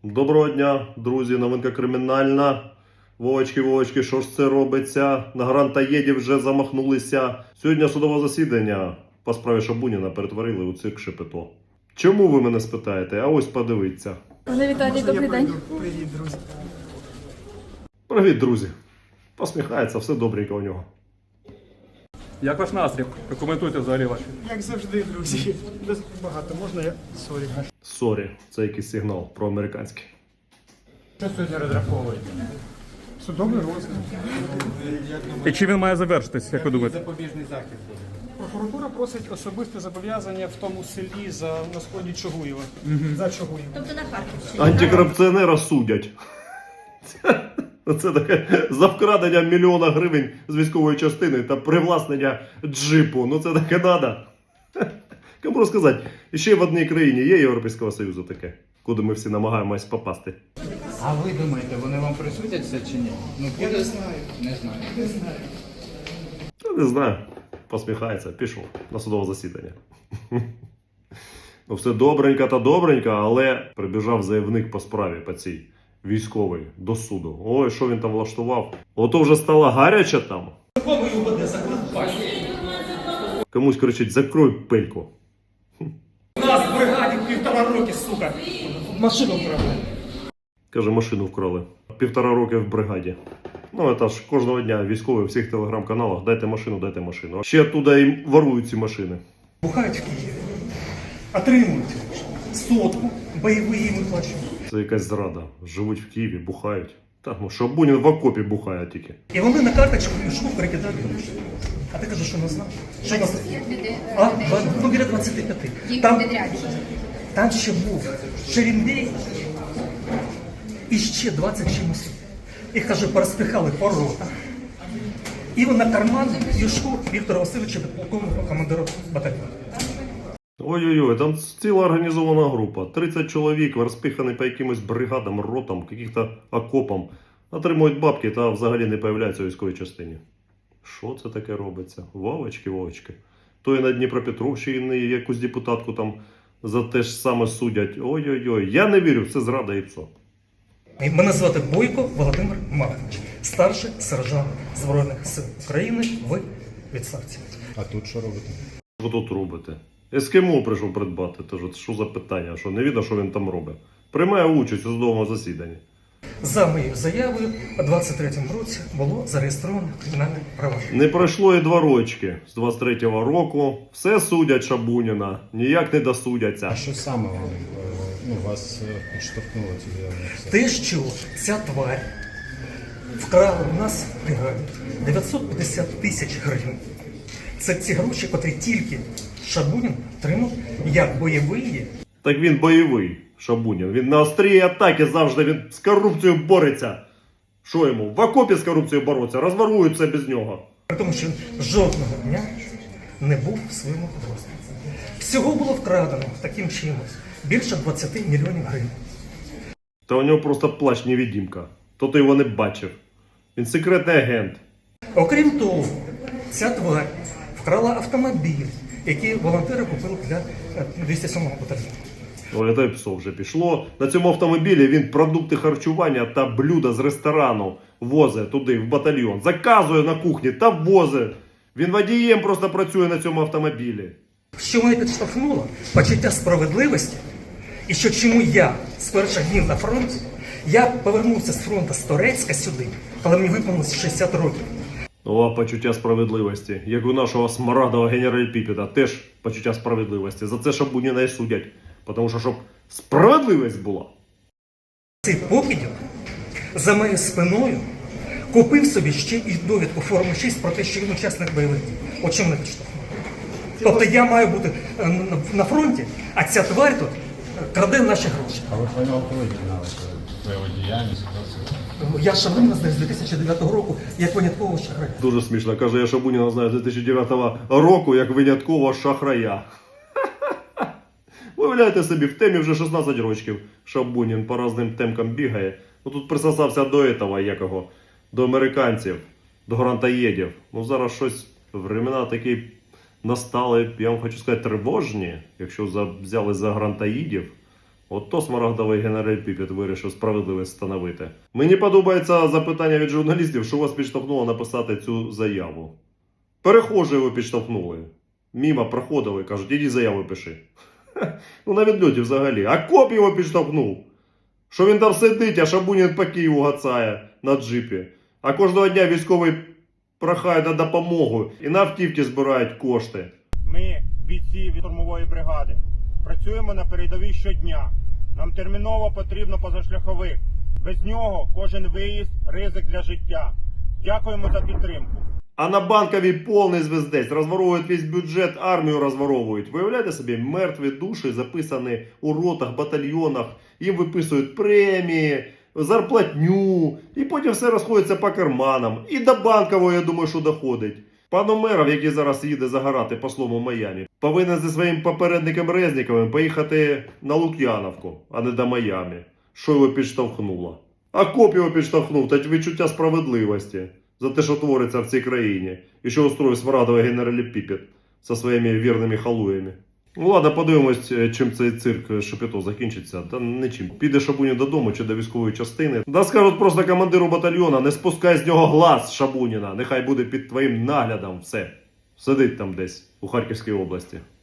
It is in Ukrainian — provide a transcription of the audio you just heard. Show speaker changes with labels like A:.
A: Доброго дня, друзі, новинка кримінальна. Вовочки, що ж це робиться? На грантоєдів вже замахнулися. Сьогодні судове засідання по справі Шабуніна перетворили у цирк Шепето. Чому ви мене спитаєте? А ось подивіться.
B: Пане Віталій, добрий день.
C: Привіт, друзі.
A: Привіт, друзі. Посміхається, все добренько у нього.
D: Як ваш настрій? Прокоментуйте взагалі ваші.
C: Як завжди, друзі. Без багато можна я? Сорі.
A: Сорі, це якийсь сигнал проамериканський.
C: Що сьогодні розраховуєте? Судовий розгляд.
D: І чи він має завершитись, як ви думаєте?
C: Запобіжний захід буде. Прокуратура просить особисте зобов'язання в тому селі на сході Чугуєва. За Чугуєва.
B: Тобто на Харківщині.
A: Антикорупціонера судять. Це таке за вкрадення $1 мільйона гривень з військової частини та привласнення джипу. Ну це таке надо. Кому розказати? І ще в одній країні є Європейського Союзу таке, куди ми всі намагаємось попасти.
E: А ви думаєте, вони вам присудяться чи ні? Ну, я не знаю. Не знаю.
A: Не знаю. Посміхається, пішов на судове засідання. Ну все добренько та добренько, але прибіжав заявник по справі по цій військовий до суду. Ой, що він там влаштував? Ото вже стало гаряче там. Комусь кричить: закрой пельку.
C: У нас в бригаді 1,5 роки, сука. Машину вкрали.
A: Каже, машину вкрали. 1,5 роки в бригаді. Ну, це ж кожного дня військові в всіх телеграм-каналах: дайте машину, дайте машину. Ще оттуда і ворують ці машини.
C: Бухають в Києві. Отримують сотку, бойові їм виплачують.
A: Це якась зрада. Живуть в Києві, бухають. Так, ну Шабунін в окопі бухає тільки.
C: І вони на карточку мішку перекидають гроші. А ти кажеш, що не знав? Що нас? Ну, біля 25. Там ще був Шерімбей і ще 20 чимось. Їх, каже, порозпихали по ротах. І на карман Юшку Віктора Васильовича, підполковника, командира батальйону.
A: Ой-ой-ой, там ціла організована група. 30 чоловік, розпихані по якимось бригадам, ротам, яких-то окопам. Отримують бабки та взагалі не появляються у військовій частині. Що це таке робиться? Вовочки. То і на Дніпропетровщині якусь депутатку там за те ж саме судять. Ой-ой-ой, я не вірю, це зрада і ПСО.
C: Мене звати Бойко Володимир Маркович, старший сержант Збройних сил України в відставці.
F: А тут що робите?
A: Що тут робите? Ескімо прийшов придбати. Тож, що за питання? Що не видно, що він там робить? Приймає участь у судовому засіданні.
C: За моєю заявою у 23-му році було зареєстровано кримінальне провадження.
A: Не пройшло і 2 рочки з 23-го року. Все судять Шабуніна, ніяк не досудяться.
F: А що саме вам вас підштовхнуло туди?
C: Те, що ця тварь вкрала у нас в бригаді 950 тисяч гривень. Це ці гроші, котрі тільки Шабунін отримав як бойовий.
A: Так він бойовий, Шабунін. Він на острій атаки завжди, він з корупцією бореться. Що йому? В окопі з корупцією бороться, розворуються без нього.
C: При тому, що він жодного дня не був в своєму підрозділі. Всього було вкрадено таким чином більше 20 мільйонів гривень.
A: Та у нього просто плащ-невидимка. То ти його не бачив. Він секретний агент.
C: Окрім того, ця тварь вкрала автомобіль, який волонтери купили для 207-го батальйону.
A: Ой, та й псо вже пішло. На цьому автомобілі він продукти харчування та блюда з ресторану возить туди, в батальйон. Заказує на кухні та возить. Він водієм просто працює на цьому автомобілі.
C: Що мене підштовхнуло? Почуття справедливості. І що чому я з перших днів на фронті, я повернувся з фронту з Торецька сюди, коли мені виповнилось 60 років.
A: О, почуття справедливості. Як у нашого смарагдового генерал-Піпіда. Теж почуття справедливості. За це Шабуніна і судять. Тому що, щоб справедливість була.
C: Цей покидьок за моєю спиною купив собі ще і довідку форми 6 про те, що він учасник бойових дій. От чим мене підштовхнуло. Тобто я маю бути на фронті, а ця тварь тут краде наші гроші.
F: А ви про нього коли дізналися? Про його діяльність?
C: Я Шабуніна знаю з 2009 року як виняткового шахрая.
A: Дуже смішно. Каже, я Шабуніна знаю з 2009 року як виняткового шахрая. Уявляєте собі, в темі вже 16 років Шабунін по різним темкам бігає. Ну тут присосався до этого, якого, до американців, до грантоєдів. Ну зараз щось, времена такі настали, я вам хочу сказати, тривожні. Якщо взяли за грантоїдів, Ото смарагдовий генераль Піпет вирішив справедливість встановити. Мені подобається запитання від журналістів, що вас підштовхнуло написати цю заяву. Перехожі його підштовхнули. Мімо проходили, кажуть, іди заяву пиши. Ну на відльоті взагалі. А коп його підштовхнув. Що він там сидить, а Шабунін по Києву гацає на джипі. А кожного дня військовий прохає на допомогу і на автівки збирають кошти.
G: Ми, бійці від штурмової бригади, працюємо на передовій щодня. Нам терміново потрібно позашляховик. Без нього кожен виїзд – ризик для життя. Дякуємо за підтримку.
A: А на Банковій повний звездець. Розворовують весь бюджет, армію розворовують. Виявляєте собі, мертві душі записані у ротах, батальйонах. Їм виписують премії, зарплатню. І потім все розходиться по карманам. І до Банкової, я думаю, що доходить. Пан Умеров, який зараз їде загорати послом у Майамі, повинен зі своїм попередником Резніковим поїхати на Лук'яновку, а не до Майамі. Що його підштовхнуло? А коп його підштовхнув, та відчуття справедливості за те, що твориться в цій країні. І що устроїв смарагдовий генераль Піпет зі своїми вірними халуями. Ну ладно, подивимось, чим цей цирк Шепето закінчиться. Та нічим. Піде Шабунін додому чи до військової частини. Да скажуть просто командиру батальйона, не спускай з нього глаз Шабуніна. Нехай буде під твоїм наглядом все. Сидить там десь у Харківській області.